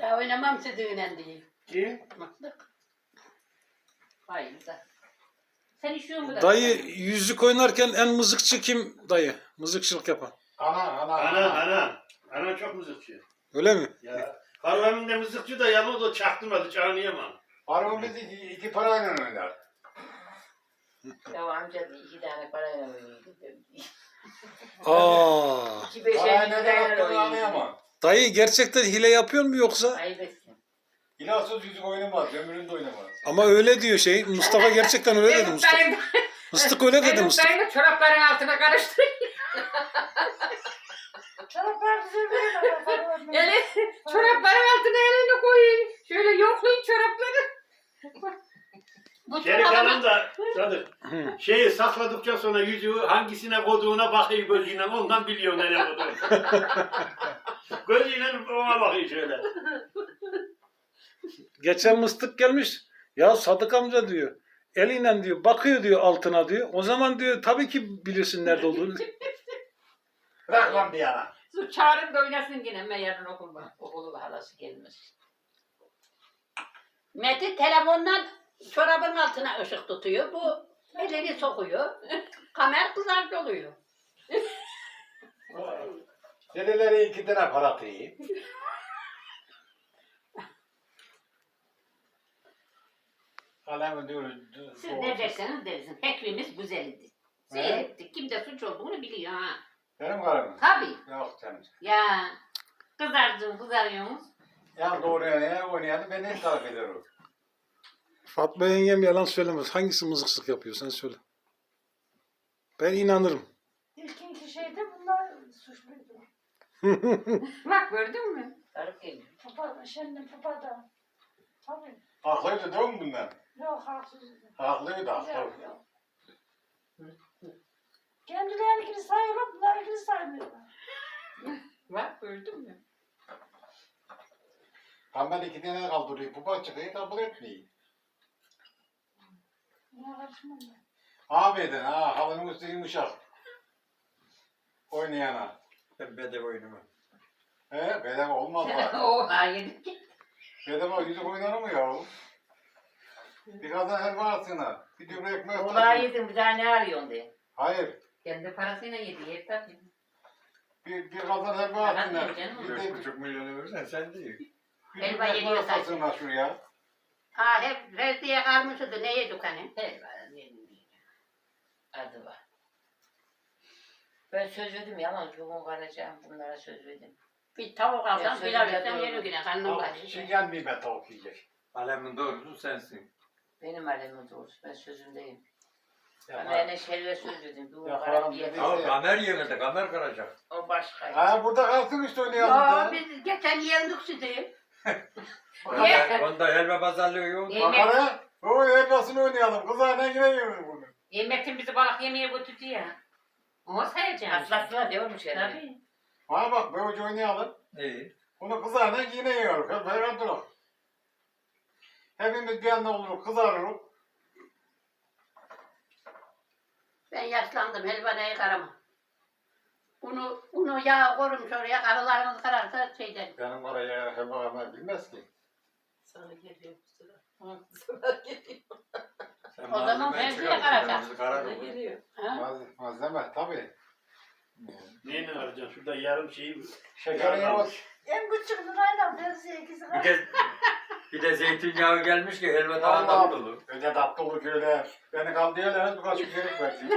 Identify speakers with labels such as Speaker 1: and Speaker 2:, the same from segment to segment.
Speaker 1: daha oynamam sizinle diye.
Speaker 2: Kim?
Speaker 1: Mıstık.
Speaker 3: Hayır da. Sen işiyor mu da?
Speaker 4: Dayı yüzük oynarken en mızıkçı kim dayı? Mızıkçılık yapan.
Speaker 2: Ana çok mızıkçı.
Speaker 4: Öyle mi?
Speaker 2: Ya. Harvamın da mızıkçı da yalnız o çaktırmadı, çağınıyamam.
Speaker 5: Harun biz iki parayla oynar.
Speaker 3: Ya amca da 2 tane parayla oynuyordu.
Speaker 4: Aa.
Speaker 3: 2-5'e
Speaker 5: Parayla
Speaker 3: 2
Speaker 5: ne
Speaker 3: tane
Speaker 5: yaptığını
Speaker 3: oynuyordu.
Speaker 5: anlayamam.
Speaker 4: Dayı gerçekten hile yapıyor mu yoksa?
Speaker 3: Ayıp etsin.
Speaker 5: İlaçsız yüzük oynamaz, ömründe oynamaz.
Speaker 4: Ama öyle diyor şey. Mustafa gerçekten öyle dedi Mustafa. Mıstık öyle dedi Mustafa.
Speaker 3: Ben de çorapların altına karıştırayım.
Speaker 6: Çoraplar güzel değil mi?
Speaker 3: Yani çorapların altına elini koyun. Şöyle yoklayın çorapları.
Speaker 1: Bu
Speaker 2: Geri
Speaker 1: çorabı
Speaker 2: kalan da Sadık. Şeyi sakladıkça sonra yüzüğü hangisine koyduğuna bakıyor gözüyle, ondan biliyor nereye koyduğunu. Gözüyle ona bakıyor şöyle.
Speaker 4: Geçen Mıstık gelmiş. Ya Sadık amca diyor. Eliyle diyor bakıyor diyor altına diyor. O zaman diyor tabii ki bilirsin nerede olduğunu.
Speaker 5: Bırak lan bir yana.
Speaker 3: Su çağırın da oynasın yine. Ben yarın okulu halası gelmiş.
Speaker 1: Metin telefondan çorabın altına ışık tutuyor. Bu elini sokuyor. Kamer kızarcı oluyor.
Speaker 5: Dedeleri 2 tane para atıyor. Alemi diyoruz.
Speaker 3: Siz ne derseniz dersin. Fikrimiz güzeldi. Seyrettik. Kim de suç olduğunu biliyor ha.
Speaker 5: Benim karım.
Speaker 3: Tabii.
Speaker 5: Yok canım.
Speaker 3: Ya kızarıyorsunuz.
Speaker 5: Ya doğru ya oynayanı ben en tarif ederim.
Speaker 4: Fatma yengem yalan söylemez. Hangisi mızıkçılık yapıyor sen söyle. Ben inanırım.
Speaker 6: İlkinki şeyde bunlar suçluydu.
Speaker 3: Bak gördün mü? Sarık geliyor.
Speaker 6: Papa, şimdi papa da. Tabii.
Speaker 5: Haklıydı değil mi bunlar?
Speaker 6: Yok haksızdı.
Speaker 5: Haklıydı haklı.
Speaker 6: Yok yok. Kendilerinkini sayıyorlar, bunlarınkini saymıyorlar.
Speaker 3: Bak gördün mü?
Speaker 5: Kamber 2 tane kaldırıyor. Pupa çıkıyor kabul etmiyor.
Speaker 6: Buna karışmam ben.
Speaker 5: Abiden ha halının üstü yumuşak. Oynayana.
Speaker 7: Ben bedava oynamam.
Speaker 5: Bedava olmaz bak.
Speaker 3: O hayır.
Speaker 5: Bedava yüzük oynar mı ya? Bir kadın helva atsana. Bir dübre ekmek
Speaker 3: Ola
Speaker 5: atsana.
Speaker 3: yedin bir daha ne arıyorsun diye.
Speaker 5: Hayır.
Speaker 3: Kendi parasıyla yedi. Yer tabii.
Speaker 5: Bir kadın helva
Speaker 3: Helva
Speaker 5: atsana.
Speaker 3: canım.
Speaker 5: Bir de
Speaker 7: 4,5 milyonu verirsen sen değil.
Speaker 5: bir
Speaker 1: Helva
Speaker 5: dübre
Speaker 1: yediyor
Speaker 5: ekmek
Speaker 1: zaten.
Speaker 5: atsana şuraya.
Speaker 1: Ha hep rezdiye kalmıştı. Ne yedik hani?
Speaker 3: Adı var. Ben söz verdim ya ama çoğun kalacağım. Bunlara söz verdim.
Speaker 1: Bir tavuk alsam
Speaker 3: Ben
Speaker 1: pilav
Speaker 3: sözüme
Speaker 1: yesem
Speaker 3: doğru.
Speaker 1: yerim yine. Karnım var.
Speaker 5: Şimdi gelmeyeyim ben tavuk yiyecek.
Speaker 7: Alemin doğrusu sensin.
Speaker 3: Benim alemin doğrusu. Ben sözümdeyim. Ben
Speaker 5: Ya,
Speaker 3: yani şerve söz verdim. Bu
Speaker 5: Ya,
Speaker 3: kara
Speaker 5: haram
Speaker 3: bir yer.
Speaker 5: dedi.
Speaker 7: Ya kamer yemedi, kamer kıracak.
Speaker 3: O başka.
Speaker 5: Ha burada kalsın işte oynayalım.
Speaker 1: Ya
Speaker 5: da.
Speaker 1: biz geçen yendik sizi.
Speaker 7: Onda helva pazarlığı yok.
Speaker 5: Bakara. O helvasını oynayalım. Kızlarla yine yiyoruz bunu.
Speaker 3: Yemetin bizi balık yemeye götürdü ya. Onu sayacağım.
Speaker 8: Atlasına diyormuş yani.
Speaker 3: Tabii.
Speaker 5: Bana bak böylece oynayalım.
Speaker 7: İyi.
Speaker 5: Bunu kızarla yine yiyoruz. Hep beraber duralım. Hepimiz bir anda oluruz, kızarırız.
Speaker 1: Ben yaşlandım. Helvanayı karamam. Unu yağ koymuş oraya. Karılarımız kararsa şeyden.
Speaker 5: Benim oraya helva vermeyi bilmez ki.
Speaker 8: Sana geliyor bu sıra. Sana geliyor.
Speaker 7: Sen
Speaker 1: O zaman
Speaker 7: malzemeyi
Speaker 1: ben
Speaker 7: çıkar,
Speaker 1: size karacağım.
Speaker 7: bizi karar
Speaker 8: Sana
Speaker 7: olur.
Speaker 8: geliyor.
Speaker 1: Ha?
Speaker 5: Malzeme tabii.
Speaker 2: Neyle arayacaksın? Şurada yarım şeyi...
Speaker 5: Şekeri yok.
Speaker 6: En küçük lirayla benziyor ikisi
Speaker 7: Bir
Speaker 6: kadar.
Speaker 7: de, bir de zeytinyağı gelmiş ki helva daha
Speaker 5: Allah.
Speaker 7: tatlı olur.
Speaker 5: Öyle tatlı olur öyle. Beni kal diyorlar, birkaç kere verdi.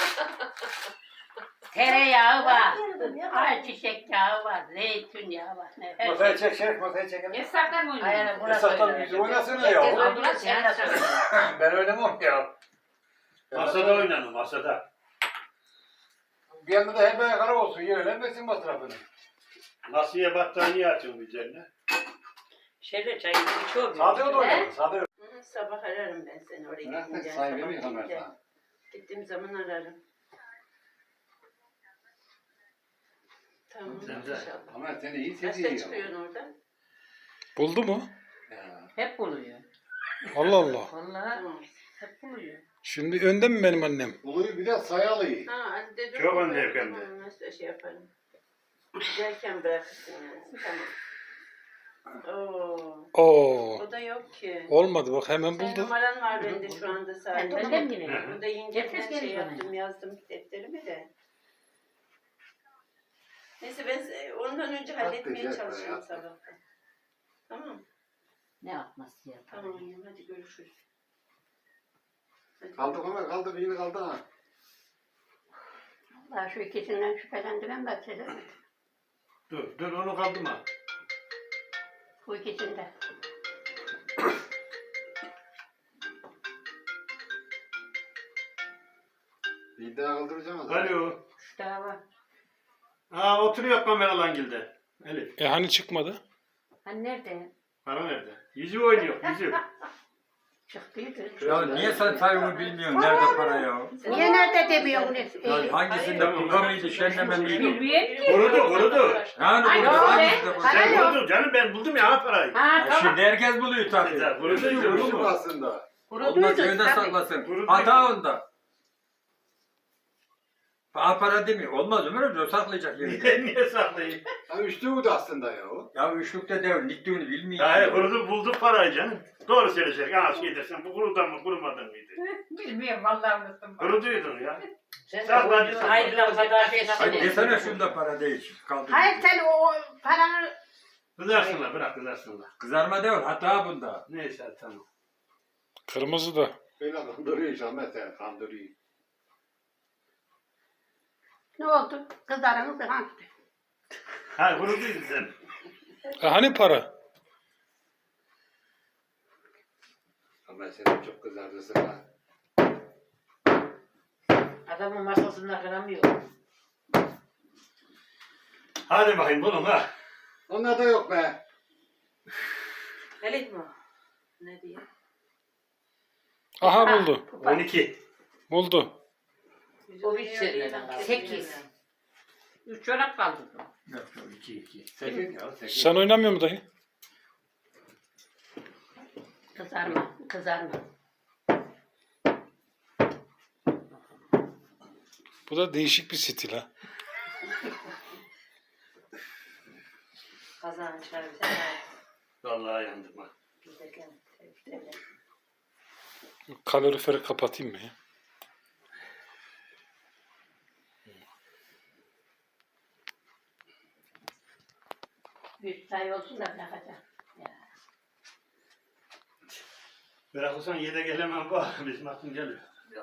Speaker 1: Tereyağı var.
Speaker 6: Yerim, yerim.
Speaker 1: Ayçiçek yağı var. Zeytinyağı var. Ne, her
Speaker 5: Masayı
Speaker 1: şey.
Speaker 5: çek, masayı çekelim.
Speaker 3: Esnaflar mı oynuyor?
Speaker 8: Aynen burası
Speaker 5: Esnaftan
Speaker 8: öyle.
Speaker 5: bizi oynasana ya.
Speaker 3: Ambulans sen söyle.
Speaker 5: Ben oynamam ya.
Speaker 2: Masada oynanır, masada.
Speaker 5: Bir yanda da hep kara olsun, yerlenmesin masrafını.
Speaker 2: Masaya battaniye açın üzerine.
Speaker 8: Şeyde çayını içiyor mu?
Speaker 5: Sade da oynasın, sade.
Speaker 8: Hı, sabah ararım ben seni oraya gidince.
Speaker 5: Sahibi
Speaker 8: Sabah
Speaker 5: mi Ömer
Speaker 8: gidince.
Speaker 5: sana?
Speaker 8: Gittiğim zaman ararım. Tamam
Speaker 2: Güzel.
Speaker 8: inşallah.
Speaker 5: Ama seni iyi
Speaker 8: Kaçta
Speaker 5: seviyor.
Speaker 8: çıkıyorsun oradan?
Speaker 4: Buldu mu?
Speaker 5: Ya.
Speaker 3: Hep buluyor.
Speaker 4: Allah Allah.
Speaker 3: Vallahi
Speaker 8: Tamam.
Speaker 3: hep buluyor.
Speaker 4: Şimdi önde mi benim annem?
Speaker 5: Uluyu bir de sayalıyı.
Speaker 8: Ha hadi dedim.
Speaker 2: Çok önde efendim.
Speaker 8: Tamam nasıl şey yaparım. Giderken bırakırsın yani. Tamam. Oo
Speaker 4: Oo.
Speaker 8: O da yok ki.
Speaker 4: Olmadı bak hemen
Speaker 8: Senin
Speaker 4: buldu.
Speaker 8: numaran var bende şu anda zaten.
Speaker 3: Ben de mi yine?
Speaker 2: Hı.
Speaker 8: Burada yengemden
Speaker 3: Herkes
Speaker 8: şey
Speaker 3: gelir bana.
Speaker 8: yaptım, yazdım defterimi de. Neyse ben ondan önce halletmeye
Speaker 5: Atlayacak
Speaker 8: çalışıyorum
Speaker 5: bayağı.
Speaker 8: sabahtan. Tamam.
Speaker 3: Ne atması ya?
Speaker 8: Tamam yavrum, hadi görüşürüz. Hadi.
Speaker 5: Kaldı Ömer kaldı bir yine kaldı ha.
Speaker 1: Allah şu ikisinden şüphelendiren ben size.
Speaker 2: Dur onu kaldırma.
Speaker 1: Bu ikisinde.
Speaker 5: Bir daha kaldıracağım ama.
Speaker 2: Alo.
Speaker 3: Üç daha var.
Speaker 2: Oturuyor kameralangilde. Elif.
Speaker 4: Hani çıkmadı?
Speaker 3: Hani nerede?
Speaker 2: Para nerede? Yüzü oynuyor. Yüzü.
Speaker 1: Çıktıydı.
Speaker 7: Ya niye sen sayımı bilmiyorsun? Nerede para ya?
Speaker 1: Niye nerede demiyorsun?
Speaker 7: Ya hangisinde pulga mıydı, şenleme miydi?
Speaker 3: Bilmiyorum ki.
Speaker 2: Kurudu.
Speaker 7: Yani
Speaker 3: Ay,
Speaker 7: burada
Speaker 3: yok be.
Speaker 7: hangisinde pulga?
Speaker 2: Sen
Speaker 3: Para yok.
Speaker 2: kurudun canım ben buldum ya parayı.
Speaker 3: Ha
Speaker 7: Ya
Speaker 3: tamam.
Speaker 7: şimdi herkes buluyor tabii.
Speaker 2: Güzel, kuruduydu
Speaker 5: Kurudu
Speaker 2: kurudu
Speaker 5: mu
Speaker 2: mu?
Speaker 5: aslında?
Speaker 7: Olmaz köyde saklasın.
Speaker 2: Kurudu.
Speaker 7: Hata onda. Para demiyor. Olmaz Ömer Hoca, o saklayacak yeri.
Speaker 2: Niye saklayayım?
Speaker 5: Ha üçlü de aslında ya o.
Speaker 7: Ya üçlükte de littiğini bilmiyor.
Speaker 2: Hayır kurudu bulduk parayı canım. Doğru söyleyecek. Şey dersen bu kurudan mı kurumadan mıydı?
Speaker 3: Bilmiyorum vallahi unuttum.
Speaker 2: Kuruduydun ya.
Speaker 3: Sen
Speaker 2: Saklan.
Speaker 3: ayrılan kadar şey
Speaker 7: Hadi
Speaker 3: nasıl
Speaker 7: desene şunda para değil. Kaldı.
Speaker 1: Hayır sen o paranı
Speaker 2: Kızarsınlar bırak kızarsınlar.
Speaker 7: Kızarma değil, hata bunda.
Speaker 2: Neyse tamam.
Speaker 4: Kırmızı da.
Speaker 5: Böyle kandırıyor işte mesela kandırıyor.
Speaker 1: ne oldu? Kızlarınız da hangi?
Speaker 2: Ha kuruduydun sen.
Speaker 4: Hani para?
Speaker 5: Ama sen çok kızardısın ha.
Speaker 3: Adamın masasında kıramıyor.
Speaker 2: Hadi bakayım bulun ha.
Speaker 5: Onlar da yok be.
Speaker 8: Elif mi? Ne diye?
Speaker 4: Aha buldu.
Speaker 2: 12.
Speaker 4: Buldu.
Speaker 3: O hiç sevmeden kaldı. 8. 3 çorap kaldı.
Speaker 2: Yok yok 2.
Speaker 5: 8 ya 8.
Speaker 4: Sen oynamıyor mu dayı?
Speaker 1: Kızarma.
Speaker 4: Bu da değişik bir stil ha.
Speaker 8: Kazan çağır bize.
Speaker 2: Vallahi yandım ha.
Speaker 8: Giderken tepkilerle.
Speaker 4: Kaloriferi kapatayım mı ya?
Speaker 1: Bir say olsun da bırakacağım.
Speaker 2: Bırakırsan yede gelemem bak. Bizim aklım geliyor.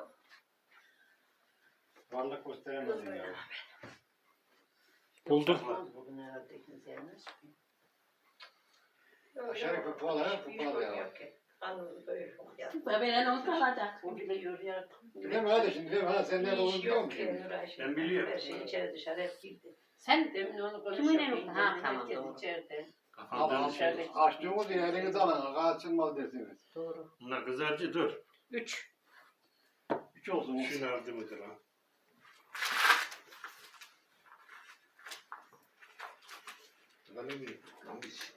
Speaker 5: Varlık gösteremedin ya.
Speaker 4: Buldu.
Speaker 8: Bugün herhalde ikimiz yerine
Speaker 5: Aşağı kupalar ya.
Speaker 8: Anladım böyle.
Speaker 1: Veren olsa alacak.
Speaker 8: O bile yoruyor.
Speaker 5: Bilmem hadi şimdi bilmem ha sen nerede olduğunu biliyor
Speaker 8: Yok ki
Speaker 5: musun?
Speaker 8: Nuray şimdi.
Speaker 2: Ben biliyorum.
Speaker 8: Her şey içeri dışarı hep girdi.
Speaker 3: Sen
Speaker 8: Demin onu
Speaker 3: Kiminle
Speaker 8: konuşuyorduk.
Speaker 3: yoktu? Ha, tamam,
Speaker 8: Herkes
Speaker 3: doğru.
Speaker 8: içeride.
Speaker 2: Kafamdan
Speaker 5: Abi
Speaker 2: şey.
Speaker 5: açtığımız yine elinizi alın. Açılmaz dersiniz.
Speaker 3: doğru.
Speaker 2: Bunlar kızarcı dur.
Speaker 3: 3.
Speaker 5: 3 olsun.
Speaker 2: Şunu aldı mıdır ha?
Speaker 5: Ben ne bileyim. Hangisi?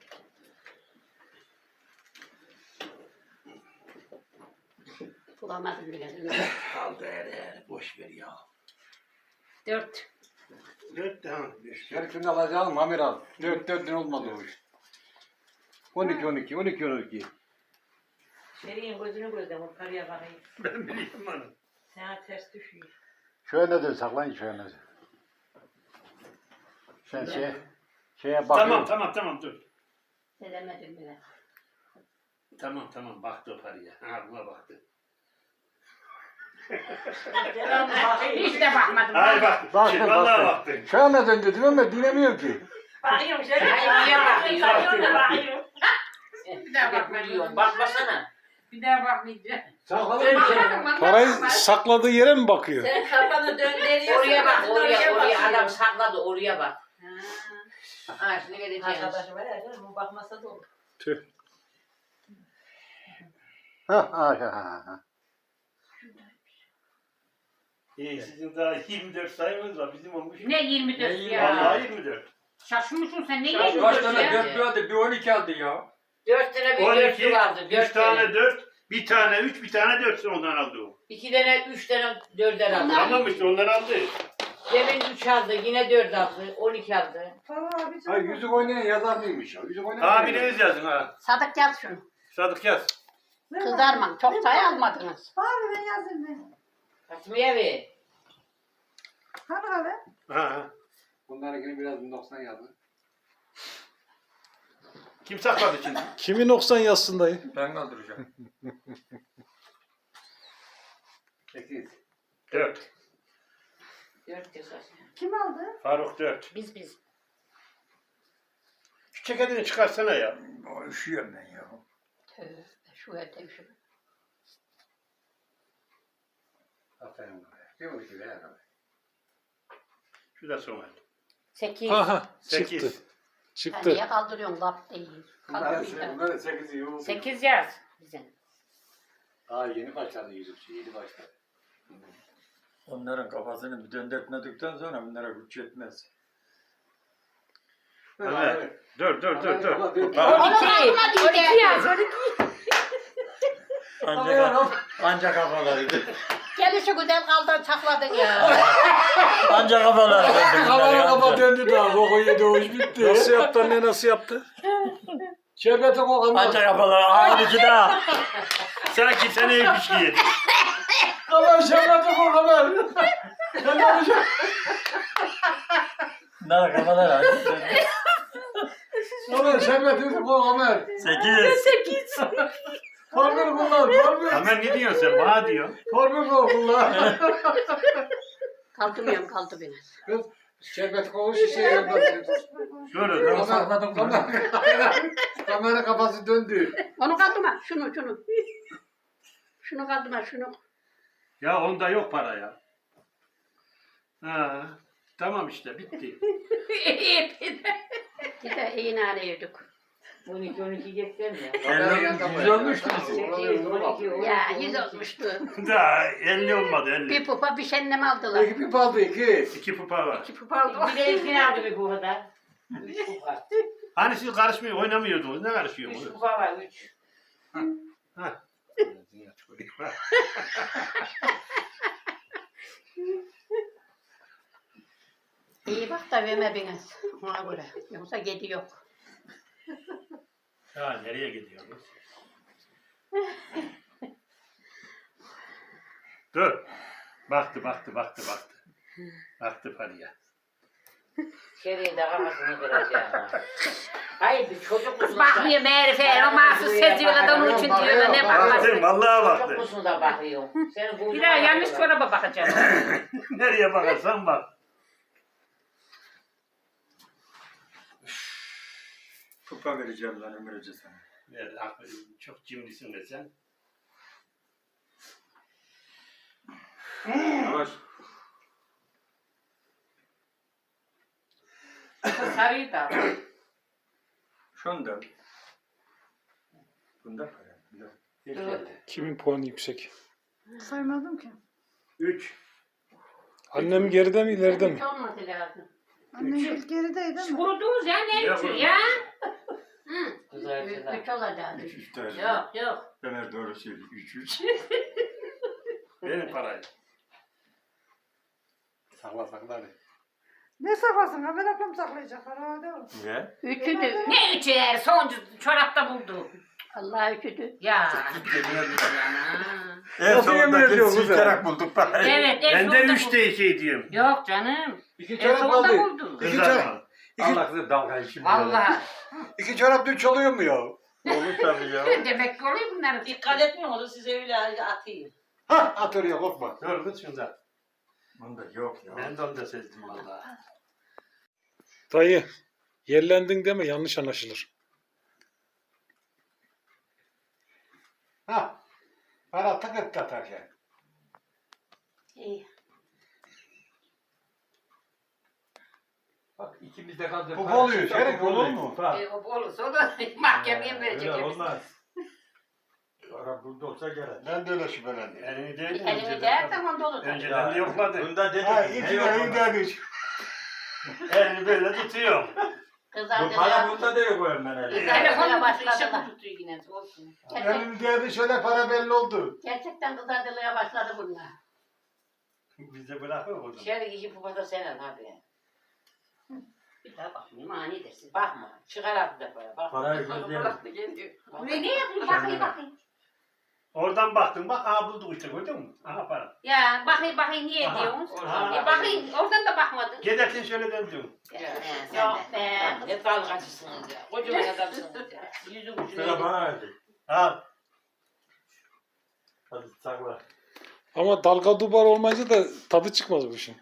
Speaker 1: Bulamadım bile.
Speaker 2: Kaldı hele. Boş ver ya.
Speaker 3: 4.
Speaker 2: 4 tamam. 5.
Speaker 5: Gerisini alacağım Mamir al. 4 olmadı o iş. 12.
Speaker 3: Şeri'nin gözünü gözden o karıya bakayım.
Speaker 2: Ben biliyorum onu.
Speaker 3: Sana ters düşüyor.
Speaker 5: Şöyle dön saklayın şöyle. Sen şeye bak.
Speaker 2: Tamam dur.
Speaker 1: Sedemedim bile.
Speaker 2: Tamam baktı o paraya. Ha buna baktı.
Speaker 3: Hiç de bakmadım.
Speaker 2: Hayır bak.
Speaker 5: Baktın,
Speaker 2: Vallahi
Speaker 5: baktın.
Speaker 2: baktı.
Speaker 5: Şöyle dön dedim ama dinlemiyor ki.
Speaker 3: Bakıyorum Şeri. Niye bakıyorsun? Bir daha bakmayacağım. Bakmasana. Bir daha bakmayacağım.
Speaker 5: Saklayın.
Speaker 4: Parayı sakladığı yere mi bakıyor?
Speaker 8: Sen kafanı döndürüyorsun.
Speaker 3: Oraya bak, oraya
Speaker 8: bakıyor.
Speaker 3: adam sakladı, oraya bak. Ha, şimdi vereceğim.
Speaker 8: Arkadaşı var ya canım, o bakmasa da olur.
Speaker 4: Tüh.
Speaker 5: Ha.
Speaker 2: Sizin daha 24 sayımız var. Bizim olmuş.
Speaker 3: Ne 24
Speaker 7: Ne
Speaker 3: ya?
Speaker 2: Vallahi 24.
Speaker 3: Şaşmışsın sen ne
Speaker 7: Kaç
Speaker 3: 24
Speaker 7: tane
Speaker 3: ya?
Speaker 7: dörtlü aldı, bir 12 aldı ya.
Speaker 3: 4 tane bir
Speaker 2: 12,
Speaker 3: dörtlü vardı.
Speaker 2: 3
Speaker 3: 4
Speaker 2: tane
Speaker 3: tane.
Speaker 2: 4, bir tane 3, bir tane 4 ondan aldı o.
Speaker 3: 2 tane 3 tane 4'er aldı.
Speaker 2: Tamam işte ondan aldı.
Speaker 3: Cemil 3 aldı, yine 4 aldı, 12 aldı.
Speaker 6: Tamam abi.
Speaker 5: Hayır yüzük oynayan yazar değilmiş ya. Yüzük oynayan.
Speaker 2: Abiniz yazın ha.
Speaker 1: Sadık yaz şunu.
Speaker 2: Sadık yaz.
Speaker 1: Kızarma. Çok sayı almadınız.
Speaker 6: Abi ben yazayım ben.
Speaker 3: Fatma'ya ver.
Speaker 6: Hani abi?
Speaker 2: Ha.
Speaker 5: Bunlarınkini biraz 90 yazdı.
Speaker 2: Kim sakladı şimdi?
Speaker 4: Kimi 90 yazsın dayı?
Speaker 7: Ben kaldıracağım.
Speaker 5: 8.
Speaker 2: 4.
Speaker 3: 4 yazar.
Speaker 6: Kim aldı?
Speaker 2: Faruk 4.
Speaker 1: Biz.
Speaker 2: Şu ceketini çıkarsana ya.
Speaker 7: O üşüyorum ben ya.
Speaker 1: Tövbe şu evde şu.
Speaker 5: Aferin bana. Kim o ki be?
Speaker 2: Şu da son el.
Speaker 1: 8.
Speaker 4: Aha
Speaker 2: 8.
Speaker 4: çıktı.
Speaker 1: Sen
Speaker 4: Çıktı.
Speaker 1: niye kaldırıyorsun? Laf değil.
Speaker 5: Bunların
Speaker 1: Kaldırıyorsun.
Speaker 5: 8'i yok.
Speaker 3: 8 yaz bize.
Speaker 5: Aa yeni başladı yüzükçü. Yeni başladı.
Speaker 7: Onların kafasını bir döndürtmedikten sonra bunlara güç yetmez.
Speaker 2: Evet. Dur.
Speaker 3: 12 yaz. 12.
Speaker 7: Ancak kafalarıydı.
Speaker 1: Gelişi güzel kaldır sakladın ya.
Speaker 7: Ancak kafaları döndü.
Speaker 5: Kafalar kafa döndü daha. Boku yedi o iş bitti.
Speaker 4: Nasıl yaptı anne nasıl yaptı?
Speaker 5: Şerbeti kokanlar.
Speaker 7: Ancak kafaları. Aa 12 daha.
Speaker 2: Sanki sen ev pişki yedin.
Speaker 5: Kamer şerbeti kokanlar.
Speaker 7: Bunlar kafaları.
Speaker 5: Kamer şerbeti kokanlar.
Speaker 7: 8.
Speaker 5: Formül kullan. Formül.
Speaker 2: Hemen ne diyorsun sen? Bana diyorsun.
Speaker 5: Formül kullan.
Speaker 1: Kaldırmıyorum kaldı biraz.
Speaker 5: Şerbeti kokuş şişeye yapar.
Speaker 2: Dur.
Speaker 5: Kamera kafası döndü.
Speaker 1: Onu kaldırma. Şunu. Şunu kaldırma şunu.
Speaker 2: Ya onda yok para ya. Ha. Tamam işte bitti.
Speaker 1: Bir de iyi nane yedik.
Speaker 3: 12 geçsen mi?
Speaker 7: 100 olmuştu bizim.
Speaker 3: 8, 12, 12.
Speaker 1: Ya 100 olmuştu.
Speaker 2: Daha 50 olmadı 50.
Speaker 1: Bir pupa bir şenlem aldılar.
Speaker 5: İki pip aldı 2.
Speaker 2: 2 pupa var.
Speaker 1: 2 pupa aldılar.
Speaker 3: Bir de ilkini aldı bir bu kadar. 3 kupa.
Speaker 2: Hani siz karışmıyor oynamıyordunuz. Ne
Speaker 3: 3
Speaker 2: karışıyorsunuz?
Speaker 3: kupa var 3.
Speaker 2: Ha.
Speaker 1: İyi bak da verme biraz. Ona göre. Yoksa gedi yok.
Speaker 2: Ha nereye gidiyorsunuz? Dur. Baktı. Baktı paraya.
Speaker 3: Şeriye de kafasını kıracağım. Hayır bir çocuk musun?
Speaker 1: Bakmıyor meğerife. O mahsus seziyorlar da onun için diyorlar. Ne
Speaker 2: Baktım
Speaker 1: bakmasın.
Speaker 2: vallahi
Speaker 3: Çocuk
Speaker 2: baktım.
Speaker 3: musun da bakıyorsun? Sen bu
Speaker 1: Bir daha yanlış çoraba bakacaksın.
Speaker 2: Nereye bakarsan bak.
Speaker 7: Kupa vereceğim lan ömrüce sana.
Speaker 2: Çok cimrisin be sen.
Speaker 7: Yavaş.
Speaker 3: sarıyı da.
Speaker 7: Şunu da. Bunda para.
Speaker 4: Kimin puanı yüksek?
Speaker 6: Saymadım ki.
Speaker 2: 3.
Speaker 4: Annem geride mi ileride mi?
Speaker 1: Hiç olması lazım.
Speaker 6: Annem ilk gerideydi ama.
Speaker 3: Kurudunuz ya ne
Speaker 2: Ya
Speaker 3: için
Speaker 2: kurudunuz.
Speaker 3: ya?
Speaker 1: Hı.
Speaker 3: Kızartıda.
Speaker 1: 3 olacak.
Speaker 7: 3 tane.
Speaker 3: Yok.
Speaker 7: Ömer doğru söylüyor. 3.
Speaker 2: Benim parayı.
Speaker 5: Sakla.
Speaker 6: Ne saklasın? Haber akım saklayacak. Herhalde o.
Speaker 7: Ne?
Speaker 1: 3'üdü.
Speaker 3: Ne üçü yani sonuncu çorapta buldu.
Speaker 1: Allah 3'üdü.
Speaker 3: Ya.
Speaker 7: En
Speaker 5: Nasıl yemin
Speaker 7: sonunda
Speaker 5: ediyorsun kızım?
Speaker 7: silkerek bulduk parayı.
Speaker 3: Evet.
Speaker 2: Ben de
Speaker 3: sonunda
Speaker 2: 3'te 2 diyorum.
Speaker 3: buldu. Yok canım.
Speaker 5: 2
Speaker 3: En
Speaker 5: çorap
Speaker 3: sonunda
Speaker 5: aldı.
Speaker 3: buldu.
Speaker 2: Kızarma.
Speaker 7: Allah size dalga işim.
Speaker 3: Vallahi.
Speaker 5: 2 çorap 3 oluyor mu ya?
Speaker 7: Olur tabii ya.
Speaker 3: Demek ki oluyor bunların.
Speaker 8: Dikkat etmiyor onu size öyle atayım.
Speaker 5: Hah at oraya korkma.
Speaker 2: Dur kız şunda.
Speaker 7: Bunda yok ya.
Speaker 2: Ben de onu da sezdim vallahi.
Speaker 4: Dayı yerlendin deme yanlış anlaşılır.
Speaker 5: Hah. Para tıkıt atarken.
Speaker 1: İyi.
Speaker 7: Bak ikimiz de kaldı.
Speaker 5: Bu oluyor. Şerif olur mu?
Speaker 3: Olursa o da mahkemeye verecek.
Speaker 7: Öyle olmaz. Para burada olsa gerek.
Speaker 5: Ben de öyle şüphelendim.
Speaker 2: Elini değil
Speaker 1: Elini değer tamam dolu.
Speaker 2: Önceden de yokladı.
Speaker 7: Bunda dedim.
Speaker 5: Ha
Speaker 7: ne
Speaker 5: 2
Speaker 7: yok
Speaker 5: de
Speaker 7: bunda?
Speaker 5: iyi
Speaker 2: Elini böyle tutuyorum.
Speaker 7: Bu para
Speaker 1: Kızardılar.
Speaker 7: bunda da yok Ömer Ali.
Speaker 1: Kızardılar başladılar.
Speaker 3: tutuyor yine olsun.
Speaker 5: Elini değdi şöyle para belli oldu.
Speaker 1: Gerçekten kızardılar başladı bunlar.
Speaker 2: Bize bırakır o zaman.
Speaker 3: Şöyle iki pupa da sen al abi.
Speaker 1: Bir daha bakmayayım ani dersin.
Speaker 3: Bakma. Çıkar altı defa. Bak.
Speaker 7: Parayı gözleyelim.
Speaker 8: Bıraktı geliyor.
Speaker 1: Buraya ne yapayım? Bakayım bakayım.
Speaker 2: Oradan baktın bak aha bulduk işte gördün mü? Aha para.
Speaker 1: Ya bakayım niye
Speaker 2: Aha.
Speaker 1: diyorsunuz?
Speaker 2: Aha.
Speaker 1: Bakayım oradan da bakmadın.
Speaker 2: Gidersin şöyle döndün.
Speaker 1: Yok be.
Speaker 3: Ne dalgacısınız ya. Kocaman adamsınız ya. Yüzün
Speaker 7: Sıra
Speaker 3: ucuna.
Speaker 7: bana verdi.
Speaker 2: Al.
Speaker 7: Hadi sakla.
Speaker 4: Ama dalga dubar olmayınca da tadı çıkmaz bu işin.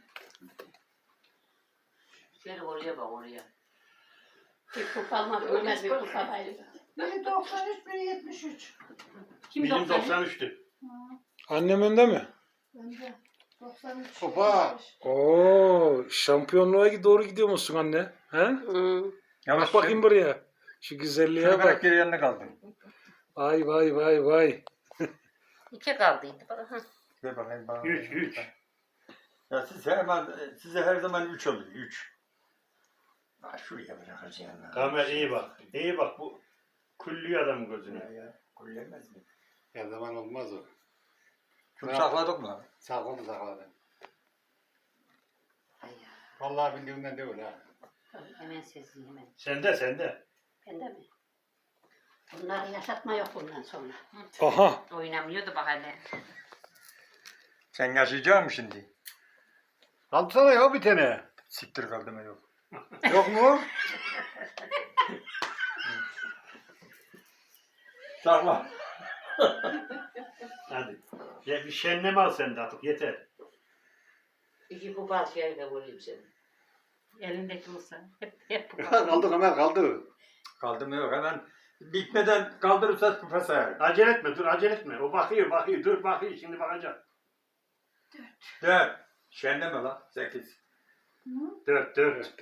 Speaker 3: Şöyle oraya bak oraya.
Speaker 1: Bir kupa almak ölmez bir kupa bayılır.
Speaker 6: Biri 93, biri 73.
Speaker 1: Kim
Speaker 2: Bizim
Speaker 1: 93?
Speaker 2: 93'tü.
Speaker 4: Annem önde mi?
Speaker 6: Bence 93.
Speaker 5: Hopa.
Speaker 4: Oo, şampiyonluğa doğru gidiyor musun anne? He?
Speaker 7: Yavaş
Speaker 4: Bak bakayım buraya. Şu güzelliğe
Speaker 7: Şuna
Speaker 4: bak.
Speaker 7: bak geri yanına kaldım.
Speaker 4: Vay vay vay vay.
Speaker 1: 2 kaldıydı.
Speaker 7: Ver bakayım bana.
Speaker 2: 3.
Speaker 7: Ya size her zaman 3 oluyor. 3. Şuraya bırakacağım.
Speaker 2: Kamer iyi bak. İyi bak bu küllü adam gözüne.
Speaker 7: Ya. Kullemez mi?
Speaker 5: Her zaman olmaz o.
Speaker 7: Şunu sakladık mı?
Speaker 5: Sakladı.
Speaker 3: Ay ya.
Speaker 5: Vallahi bildiğimden değil ha.
Speaker 1: Hemen sezin hemen.
Speaker 2: Sende.
Speaker 1: Bende mi? Bunları yaşatma yok bundan sonra.
Speaker 4: Aha.
Speaker 1: Oynamıyordu bak hele.
Speaker 7: Sen yaşayacak mısın şimdi?
Speaker 5: Alsana ya bir tane.
Speaker 7: Siktir kaldım yok.
Speaker 5: Yok mu?
Speaker 7: Sakla.
Speaker 2: Hadi. Ya bir şenleme al sen de artık yeter.
Speaker 3: İki pupa al şöyle de vurayım seni.
Speaker 1: Elindeki olsa hep kupa.
Speaker 5: kaldı Kamer kaldı.
Speaker 7: Kaldım yok hemen. Bitmeden kaldırırsa kupa sayar.
Speaker 2: Acele etme dur acele etme. O bakıyor dur bakıyor şimdi bakacak.
Speaker 7: 4. Şenleme lan. 8.
Speaker 2: 4.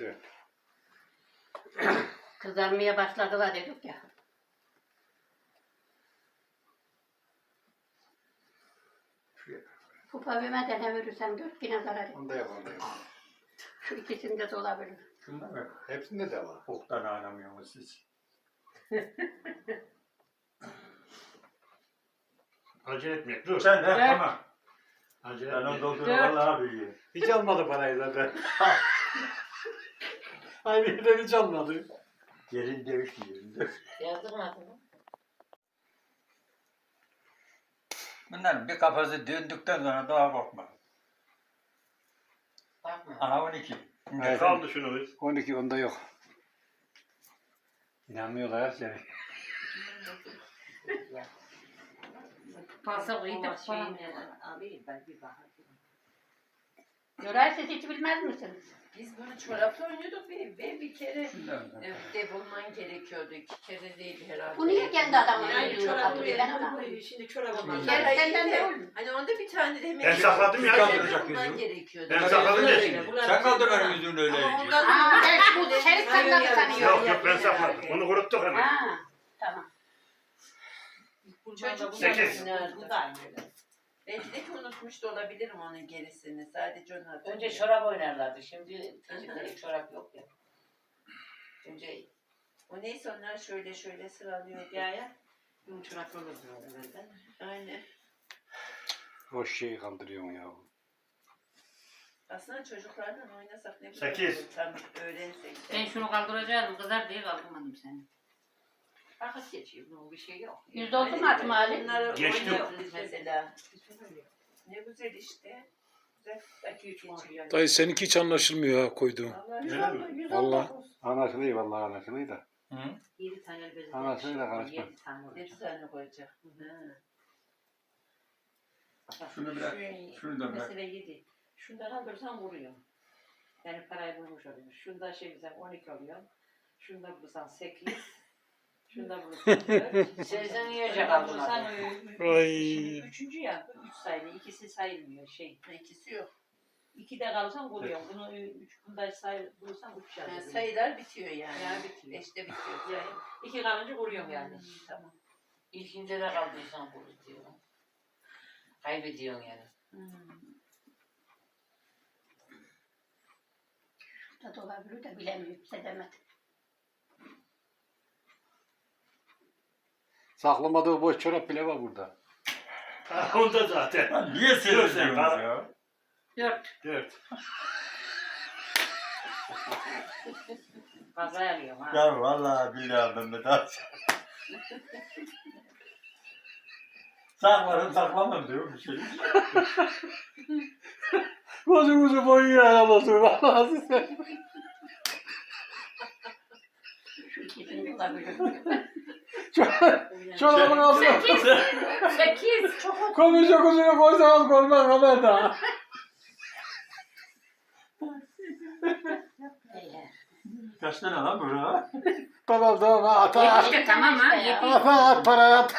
Speaker 1: Kızarmaya başladılar dedik ya. Kupa vermeden ne verirsem 4 yine zarar et.
Speaker 5: Onda yok.
Speaker 1: Şu ikisinde de olabilir.
Speaker 7: Şunda mı?
Speaker 5: Hepsinde de var.
Speaker 7: Boktan anlamıyorsunuz siz.
Speaker 2: Acele etme dur.
Speaker 7: Sen de tamam.
Speaker 2: Acele
Speaker 7: Ben onu
Speaker 2: etme.
Speaker 7: dolduruyorum vallahi biliyorum.
Speaker 5: Hiç almadı parayı zaten. Aynı yerden hiç almadı.
Speaker 7: Yerin değişmiyor.
Speaker 3: Yazdın mı adını?
Speaker 7: Bunların bir kafası döndükten sonra daha korkma.
Speaker 3: Bakma.
Speaker 7: Aha 12.
Speaker 5: Evet.
Speaker 2: Kaldı şunu biz.
Speaker 5: 12 onda yok. İnanmıyorlar seni.
Speaker 1: Pasa koyup da
Speaker 3: şeyini alayım ben bir bakayım.
Speaker 1: Göray siz hiç bilmez misiniz?
Speaker 8: Biz bunu çorapla oynuyorduk ve bir kere
Speaker 7: Şundan.
Speaker 8: devolman gerekiyordu. 2 kere değil herhalde.
Speaker 1: Bu niye kendi adamın
Speaker 8: Yani
Speaker 1: oynuyor?
Speaker 8: çorabı
Speaker 1: Hatırlıyor, ben ona.
Speaker 8: verin. Şimdi çorabı
Speaker 7: Şimdi
Speaker 8: verin.
Speaker 1: Gel senden de olur.
Speaker 8: Hani onda bir tane de hemen...
Speaker 2: Ben sakladım ya.
Speaker 8: Devolman
Speaker 7: yüzü.
Speaker 8: gerekiyordu.
Speaker 2: Ben sakladım ya şimdi.
Speaker 7: Sen kaldır benim yüzümün öyle
Speaker 8: Ama
Speaker 7: iyice.
Speaker 8: ondan-
Speaker 1: Aa, ben bu Şerif sakladı sanıyorum.
Speaker 2: Yok ben sakladım. Bunu kuruttuk hemen.
Speaker 1: Ha, tamam.
Speaker 8: Çocuk
Speaker 2: 8.
Speaker 8: Bu da aynı öyle. Belki de ki unutmuş da olabilirim onun gerisini. Sadece onu hatırlıyorum.
Speaker 3: Önce çorap oynarlardı. Şimdi çocukların çorap yok ya. Önce
Speaker 8: O neyse onlar şöyle sıralıyor.
Speaker 3: ya. Bu çorap olurdu evvelden.
Speaker 8: Aynen.
Speaker 5: O şeyi kaldırıyorsun ya.
Speaker 8: Aslında çocuklarla oynasak ne güzel
Speaker 2: 8.
Speaker 8: olur. Tam öğrensek.
Speaker 1: Ben şunu kaldıracaktım. Kızar diye kaldırmadım seni.
Speaker 3: Vakit geçiyor. Bu bir şey yok.
Speaker 1: Yüzde oldu mu Hatim Ali?
Speaker 8: Bunları
Speaker 2: Geçti.
Speaker 8: oynayabiliriz mesela. Ne güzel işte. Güzel vakit geçiyor.
Speaker 4: Dayı seninki hiç anlaşılmıyor ha koyduğun.
Speaker 2: Öyle mi?
Speaker 6: 119.
Speaker 5: Anlaşılıyor vallahi anlaşılıyor da.
Speaker 7: Hı?
Speaker 3: 7 tane bezin.
Speaker 5: Anasını da karışma.
Speaker 3: 7 tane olacak.
Speaker 8: Ne tane koyacak?
Speaker 7: Şunu bırak. Şunu da bırak.
Speaker 3: Mesela 7. Şundan alırsan vuruyor. Yani parayı bulmuş oluyor. Şunda şey güzel 12 oluyor. Şunda bulursan 8. Şunda bulursan 4. Sen yiyecek aldın
Speaker 1: Bulursan
Speaker 3: abi.
Speaker 4: Ay.
Speaker 3: Şimdi 3. ya. 3 sayılı. İkisi sayılmıyor şey.
Speaker 8: İkisi yok.
Speaker 3: 2'de kalırsan vuruyor. Bunu 3 bunda bulursan 3
Speaker 8: Yani
Speaker 3: yazıyor.
Speaker 8: sayılar bitiyor yani.
Speaker 3: Yani bitiyor.
Speaker 8: 5'te bitiyor.
Speaker 3: Yani 2 kalınca vuruyorum yani.
Speaker 8: Tamam.
Speaker 3: İlkinde de kaldıysan vur diyor. Kaybediyorsun yani.
Speaker 1: Da olabilir de bilemiyorum. Sedemedim.
Speaker 5: Saklamadığı boş çorap bile var burada.
Speaker 2: Onda zaten.
Speaker 7: Lan niye seviyorsunuz ya?
Speaker 1: 4.
Speaker 2: 4.
Speaker 3: Fazla alıyorum ha.
Speaker 7: Ya vallahi billahi Mehmet abi. Saklarım saklamam diyor bir şey.
Speaker 4: Gözümüzü boyuyor arabası. Vallahi size. Çorabın altına
Speaker 1: 8.
Speaker 4: komisyon kuzunu koysanız koymaz haberde.
Speaker 7: Kaç tane lan bu ha?
Speaker 4: Tamam tamam at at.
Speaker 1: İşte tamam ha. 7.
Speaker 4: At parayı at.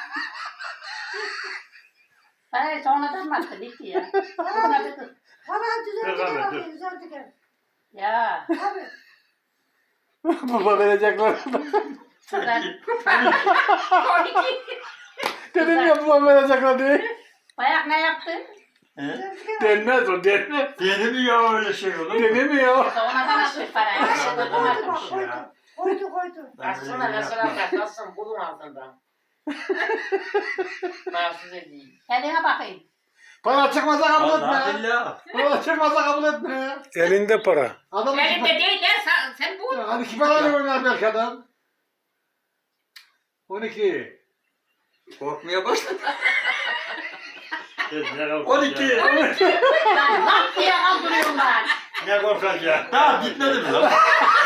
Speaker 1: Hayır sonradan mı attın? Gitti ya.
Speaker 6: Para düzeldi
Speaker 2: Devam et,
Speaker 6: gel
Speaker 2: dur.
Speaker 6: bakayım düzeldi gel.
Speaker 1: Ya.
Speaker 6: Abi.
Speaker 4: Baba verecekler.
Speaker 1: Kadar. 12.
Speaker 4: Dedim ya baba verecekler diye.
Speaker 1: Bayak ne yaptı?
Speaker 7: He?
Speaker 6: Düzeldi gel.
Speaker 4: Denmez o denmez.
Speaker 7: Deli mi ya öyle şey olur mu?
Speaker 4: Denemiyor.
Speaker 1: Sonradan atmış parayı. Sonradan
Speaker 6: Koydu
Speaker 1: atmış.
Speaker 6: bak koydu. Koydu koydu.
Speaker 3: Aslında mesela taklasın bulun altından. Mahsus edeyim.
Speaker 1: Kendine bakayım.
Speaker 4: Para çıkmasa kabul
Speaker 7: Vallahi
Speaker 4: etme.
Speaker 7: billahi.
Speaker 4: Para çıkmasa kabul etme. Elinde para. Adam
Speaker 1: Elimde değil ya sen bul.
Speaker 4: Hadi iki parayla oynar belki adam. 12.
Speaker 7: Korkmaya başladı.
Speaker 2: 12.
Speaker 7: 12.
Speaker 1: Lan laf diye kaldırıyorum ben.
Speaker 2: Ne korkacak?
Speaker 7: Daha bitmedi mi lan?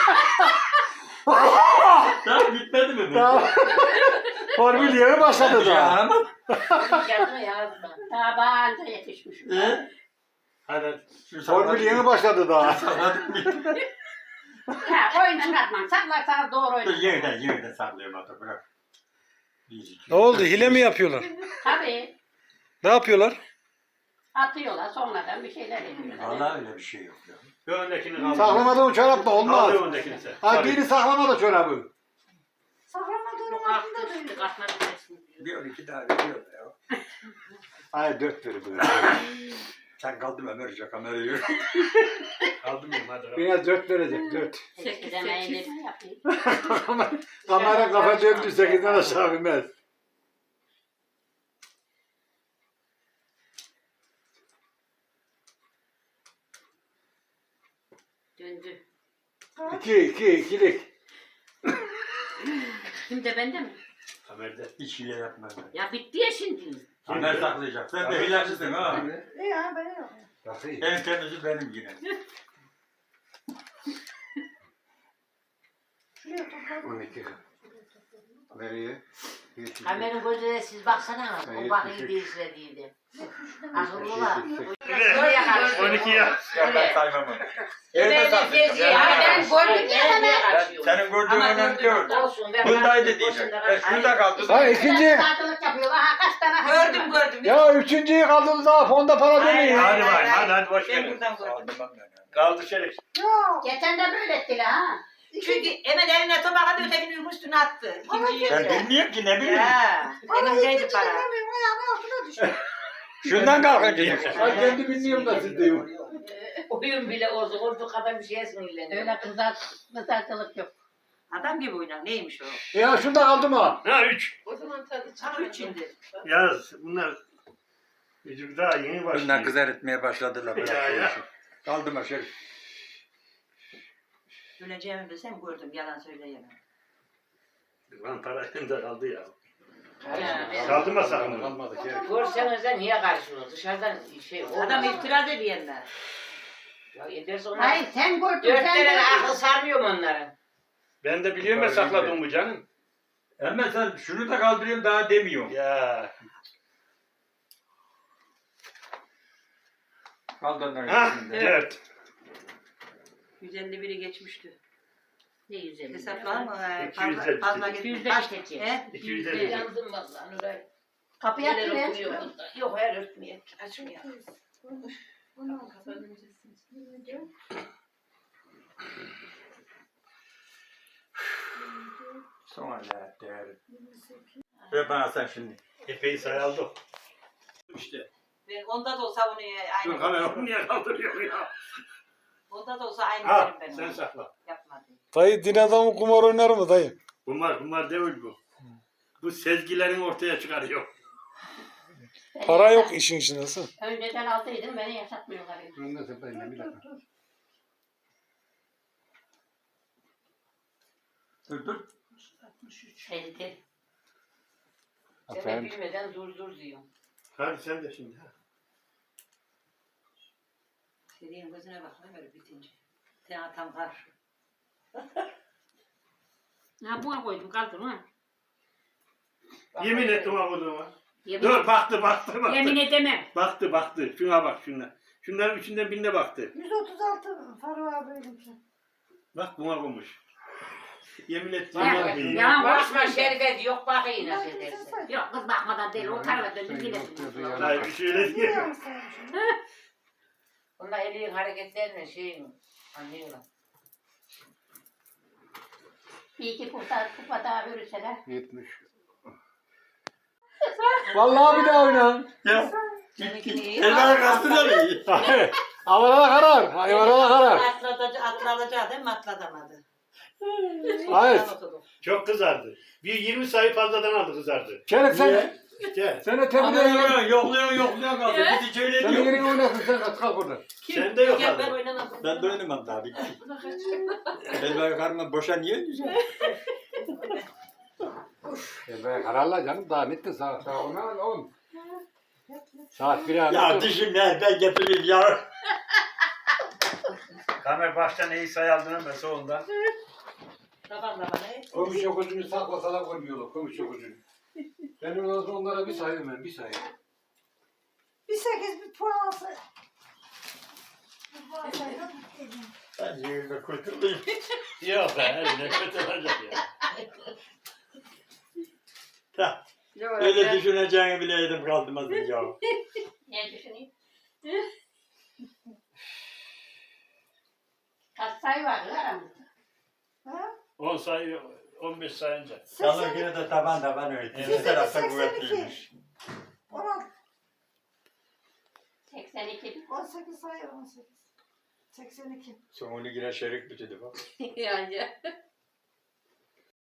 Speaker 7: Daha bitmedi mi?
Speaker 4: Tamam. Formül yeni başladı
Speaker 7: Ya
Speaker 4: da.
Speaker 7: ama.
Speaker 3: Yazma yazma.
Speaker 1: Daha bağınca yetişmişim.
Speaker 7: He?
Speaker 2: Hadi.
Speaker 7: Şu
Speaker 4: Formül yeni başladı da.
Speaker 7: sakladık mı?
Speaker 1: Ya oyun çıkartmam. Saklarsanız doğru
Speaker 7: Dur
Speaker 1: oyun.
Speaker 7: yerden sallıyorum hatta bırak.
Speaker 4: Ne oldu? Hile mi yapıyorlar?
Speaker 1: Tabii.
Speaker 4: Ne yapıyorlar?
Speaker 1: Atıyorlar sonradan bir şeyler ediyorlar.
Speaker 7: Vallahi öyle bir şey yok ya.
Speaker 2: Bir öndekini kaldır.
Speaker 4: Saklamadığın çorap da olmaz.
Speaker 2: Kaldır öndekini sen.
Speaker 4: Ha geri saklama da çorabı.
Speaker 6: Saklamadığının
Speaker 3: Bu
Speaker 6: altında
Speaker 3: kalktı
Speaker 6: duruyor.
Speaker 3: işte katmanı kesin.
Speaker 7: Bir 12 daha veriyor ya.
Speaker 4: Hayır 4 verir bu.
Speaker 7: Sen kaldın Ömer'ce kamerayı.
Speaker 2: Kaldırmayayım hadi.
Speaker 4: Bana 4 verecek 4.
Speaker 1: 8 emeğini ben yapayım.
Speaker 4: Kamera kafa döndü 8'den aşağı binmez.
Speaker 1: Döndü.
Speaker 4: 2'lik.
Speaker 1: Şimdi bende mi?
Speaker 2: Kamerada.
Speaker 7: Hiç hile yapmaz.
Speaker 1: Ya bitti ya şimdi.
Speaker 7: Ömer saklayacak. Sen de hilecisin ha.
Speaker 6: İyi ha ben yok.
Speaker 7: En temizi benim yine.
Speaker 6: Şuraya topladım.
Speaker 5: 12. Nereye?
Speaker 3: Kameranın gözüne siz baksana. O bakıyı değiştirdiydi. Akıllılar. Şuraya karşı.
Speaker 2: 12 ya.
Speaker 7: Ya ben saymam onu.
Speaker 3: Ben
Speaker 7: Evde saklayacak.
Speaker 1: Ben gördüm ya hemen.
Speaker 7: Senin gördüğün önemli değil.
Speaker 3: Olsun.
Speaker 7: Bundaydı diyecek. Şurada kaldı.
Speaker 4: Ha ikinci.
Speaker 1: Saatlik yapıyorlar. Ha kaç tane
Speaker 8: Gördüm.
Speaker 4: Ya üçüncüyü kaldığımız zaman fonda para dönüyor.
Speaker 2: Hadi bak hadi boş
Speaker 8: Ben
Speaker 2: ver.
Speaker 8: buradan gördüm.
Speaker 7: Sağlamam ben ya.
Speaker 2: Kaldır Şerif.
Speaker 6: Yok.
Speaker 1: Geçen de böyle ettiler ha.
Speaker 8: Çünkü hemen eline tabağa ötekinin üstüne attı. İkinciyi.
Speaker 7: Ben bilmiyorum ki ne bileyim.
Speaker 8: Ya.
Speaker 6: Para
Speaker 8: Elimdeydi
Speaker 6: ikinci
Speaker 8: para.
Speaker 6: dinlemiyorum ayağının altına düştü.
Speaker 7: Şundan kalkınca düşün.
Speaker 4: Ben kendi bilmiyorum da siz diyor.
Speaker 3: Oyun bile olsun. Olduğu kadar bir şeye sinirleniyor.
Speaker 1: Öyle kızartılık yok.
Speaker 8: Adam gibi oynar. Neymiş o?
Speaker 4: Ya şunda kaldı mı?
Speaker 2: Ha 3.
Speaker 8: O zaman tadı çıkıyor. Üç indi.
Speaker 2: Yaz bunlar. Çocuk daha yeni
Speaker 7: Bunlar
Speaker 2: başlıyor.
Speaker 7: kızar etmeye başladılar.
Speaker 2: Ya.
Speaker 7: Kaldı mı Şerif?
Speaker 8: Öleceğimi bilsem gördüm. Yalan söyleyemem.
Speaker 2: Lan para elimde kaldı ya.
Speaker 3: Ya.
Speaker 2: Kaldırma sakın.
Speaker 4: Kalmadı ki.
Speaker 3: Görseniz de niye karışıyorsunuz? Dışarıdan şey olmaz.
Speaker 8: Adam itiraz ediyenler.
Speaker 3: Ya ederse onlar.
Speaker 1: Hayır sen gördün.
Speaker 3: Dört
Speaker 1: sen
Speaker 3: tane
Speaker 1: gördün.
Speaker 3: akıl sarmıyor mu onların?
Speaker 2: Ben de biliyorum ya sakladığımı canım.
Speaker 7: Hemen sen şunu da kaldırıyorum daha demiyorum.
Speaker 2: Ya.
Speaker 7: Kaldı onların
Speaker 2: Ha
Speaker 7: içinde.
Speaker 2: 4.
Speaker 8: 151'i geçmişti.
Speaker 1: Ne 150?
Speaker 8: Hesaplar mı?
Speaker 2: 250.
Speaker 8: Fazla gitmiş.
Speaker 1: 250
Speaker 8: Kaç?
Speaker 1: geçecek.
Speaker 8: He?
Speaker 2: 250.
Speaker 3: Yandım vallahi Nuray.
Speaker 1: Kapıyı
Speaker 3: Neler
Speaker 1: açıyor.
Speaker 3: okunuyor bunda? Yok her örtmeye. Açmıyor.
Speaker 7: Sonra değerli. Ve bana sen şimdi.
Speaker 2: Epey sayaldı. İşte.
Speaker 8: Ben onda da olsa onu
Speaker 2: Dur
Speaker 8: aynı.
Speaker 2: kamera onu niye kaldırıyor ya?
Speaker 8: Onda da olsa aynı
Speaker 2: Ha
Speaker 8: derim ben.
Speaker 2: sen
Speaker 8: ona.
Speaker 2: sakla.
Speaker 8: Yapmadım.
Speaker 4: Dayı din adamı kumar oynar mı dayı?
Speaker 2: Bunlar değil bu. Bu sezgilerin ortaya çıkarıyor.
Speaker 4: Para yok işin içinde. Nasıl?
Speaker 1: Önceden aldıydım beni yaşatmıyorlar.
Speaker 5: Önünde sepayla bir dakika.
Speaker 7: Dur.
Speaker 1: Elde. Sen
Speaker 5: Aferin.
Speaker 1: bilmeden dur diyor.
Speaker 2: Hadi sen de şimdi.
Speaker 3: Senin gözüne bak ne böyle bitince. Sen tam karşı.
Speaker 1: Ha buna koydum kaldım ha.
Speaker 2: Yemin ettim ha koduğuma.
Speaker 1: Yemin,
Speaker 2: Dur baktı.
Speaker 1: yemin edemem.
Speaker 2: Baktı. Şuna bak şuna. Şunların üçünden birine baktı.
Speaker 6: 136 Faruk abi benimki.
Speaker 2: Bak buna koymuş. Yemin ettim.
Speaker 1: Ya,
Speaker 2: Bak,
Speaker 1: ya
Speaker 3: Bakma Şerife yok bakayım nasıl
Speaker 6: Belki sen
Speaker 3: edersin.
Speaker 6: saydın.
Speaker 1: Yok kız bakmadan değil o tarafa döndü
Speaker 5: Sen
Speaker 1: yine.
Speaker 5: yok diyordu ya.
Speaker 2: Hayır bir şöyle
Speaker 6: Niye
Speaker 2: diyor.
Speaker 6: yanlış saymışım?
Speaker 3: Onlar elin hareketlerini şeyin anlıyorlar.
Speaker 1: Bir iki kupa daha verirseler.
Speaker 5: 70.
Speaker 7: Vallahi bir daha oyna. Ya.
Speaker 3: Seninki iyi.
Speaker 7: Eller kastı da iyi.
Speaker 5: Havalada karar. Hayvanada karar.
Speaker 3: Atlatacak değil mi? Atlatamadı.
Speaker 5: Hayır.
Speaker 2: Çok kızardı. Bir 20 sayı fazladan aldı kızardı.
Speaker 5: Şerif sen.
Speaker 2: İşte
Speaker 5: Sen tebrik ederim.
Speaker 7: Yokluyor kaldı. Bizi şöyle
Speaker 5: Sen
Speaker 7: diyor.
Speaker 5: yerine oynasın sen kalk buradan.
Speaker 2: sen de yok
Speaker 3: Ben
Speaker 2: abi.
Speaker 3: oynamadım.
Speaker 7: Ben de oynamam daha bitti. Ben böyle karnıma boşa niye düşüyorum?
Speaker 5: Ben kararla canım daha bitti saat 10. Saat 1'e
Speaker 7: Ya düşün ya ben getireyim ya.
Speaker 2: Kamer baştan iyi sayı aldın ama sonunda.
Speaker 3: Baban da bana.
Speaker 5: Komşu yokuzunu saklasalar koymuyorlar komşu yokuzunu. Ben ondan sonra onlara bir sayayım ben bir sayayım.
Speaker 6: Bir 8 bir puan alsa. Bir puan saydım.
Speaker 7: Ben yerimde kurtulayım.
Speaker 2: Yok be ne kötü olacak ya.
Speaker 7: Öyle düşüneceğini bileydim kaldım az önce ya.
Speaker 1: Ne düşüneyim? Kaç sayı vardı aramızda?
Speaker 6: Ha?
Speaker 2: 10 sayı 15 sayınca.
Speaker 7: Yalnız yine de taban öyle. İki tarafta kuvvetliymiş.
Speaker 6: 16,
Speaker 1: 82.
Speaker 6: 18 sayı 18. 82.
Speaker 7: Sonunu yine şerik bitirdi bak.
Speaker 3: Yani.